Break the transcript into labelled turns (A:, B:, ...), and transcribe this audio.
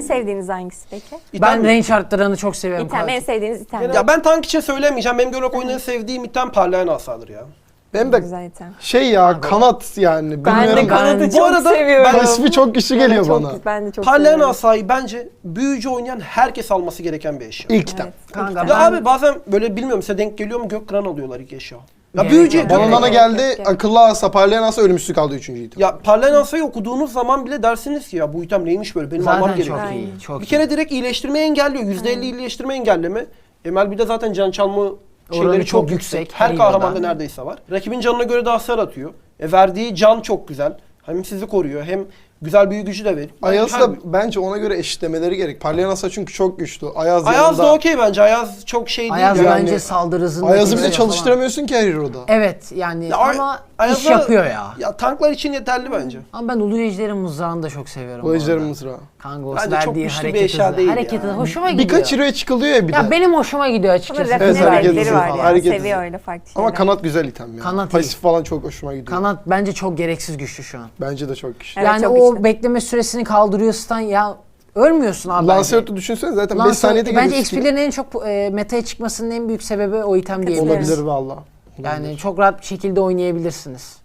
A: sevdiğiniz hangisi peki?
B: Ben range arttıranı çok seviyorum.
A: İtem, en sevdiğiniz item.
C: Ya ben tank için söylemeyeceğim. Benim göl oyunları sevdiğim item parlayan asadır ya.
D: Benim de
A: Güzel item.
D: kanat yani.
A: Ben de
D: Bilmiyorum.
A: kanadı
C: Bu
A: çok
C: arada
A: seviyorum.
D: Pasifi çok güçlü geliyor
A: Çok-
D: bana.
A: Ben de çok
C: Parlayan
A: seviyorum.
C: asayı bence büyücü oynayan herkes alması gereken bir eşya.
D: İlk item.
B: Kanka
C: Ya
B: ben
C: abi bazen böyle bilmiyorum size denk geliyor mu Gökkıran alıyorlar ilk eşya. Ya
B: Gerek
C: büyücü
B: yok.
D: Bana
A: Evet,
D: bana
A: evet,
D: geldi
A: evet.
D: akıllı asa, parlayan asa, ölümsüzlük aldı 3. item.
C: Ya parlayan asayı okuduğunuz zaman bile dersiniz ki ya bu item neymiş böyle benim almam
B: zaten
C: gerekiyor.
B: çok
A: Aynen.
B: iyi. Çok
C: Bir
B: iyi.
C: kere direkt iyileştirmeyi engelliyor. %50 iyileştirme engelleme. MLB'de zaten can çalma şeyleri
B: Oranı
C: çok
B: çok
C: yüksek.
B: yüksek,
C: Her
B: her
C: kahramanda
B: yılda.
C: neredeyse var. Rakibin canına göre de hasar atıyor. Verdiği can çok güzel. Hem sizi koruyor hem güzel büyü gücü de veriyor.
D: Ayaz
C: Her-
D: da bence ona göre eşitlemeleri gerek. Parlayan asa çünkü çok güçlü. Ayaz
C: Ayaz da
D: yanında.
C: okey bence. Ayaz çok şey değil.
B: Ayaz
C: yani.
B: bence saldırı hızını
D: Ayaz'ı bile
B: falan.
D: çalıştıramıyorsun ki her hero'da.
B: Evet yani
C: Ya
B: ama
C: Ayaz'a-
B: iş yapıyor ya.
C: Ya tanklar için yeterli bence.
B: Ama ben Ulu Ejder'in mızrağını da çok seviyorum.
D: Bu
B: bu
D: ejderin
B: arada.
D: mızrağı.
B: Kanka o
C: Bence çok
B: verdiği
C: güçlü bir
B: hareket
C: eşya
B: hızı.
C: değil
B: Hareket
C: ya.
B: hızı hoşuma gidiyor.
D: Birkaç hero'ya çıkılıyor ya bir de.
B: Ya benim hoşuma gidiyor
A: Bunun
B: açıkçası.
A: rafine
D: Evet, hareket
A: vergileri
D: hızı
A: var
D: falan.
A: ya.
D: Hareket
A: Seviyor
D: hızı.
A: öyle farklı şeyler.
D: Ama kanat güzel item ya.
B: Kanat iyi.
D: Pasif falan çok hoşuma gidiyor.
B: Kanat bence çok gereksiz güçlü şu an.
D: Bence de çok güçlü.
A: Evet,
B: Yani
A: çok
B: o
A: güçlü.
B: bekleme süresini kaldırıyor stun ya. Ölmüyorsun abi.
D: Lancelot'u düşünsene zaten 5
B: Lancelot-
D: saniyede
B: bence
D: geliyor.
B: XP'lerin en çok meta'ya çıkmasının en büyük sebebi o item diyebiliriz.
D: Olabilir valla.
B: Yani çok rahat bir şekilde oynayabilirsiniz.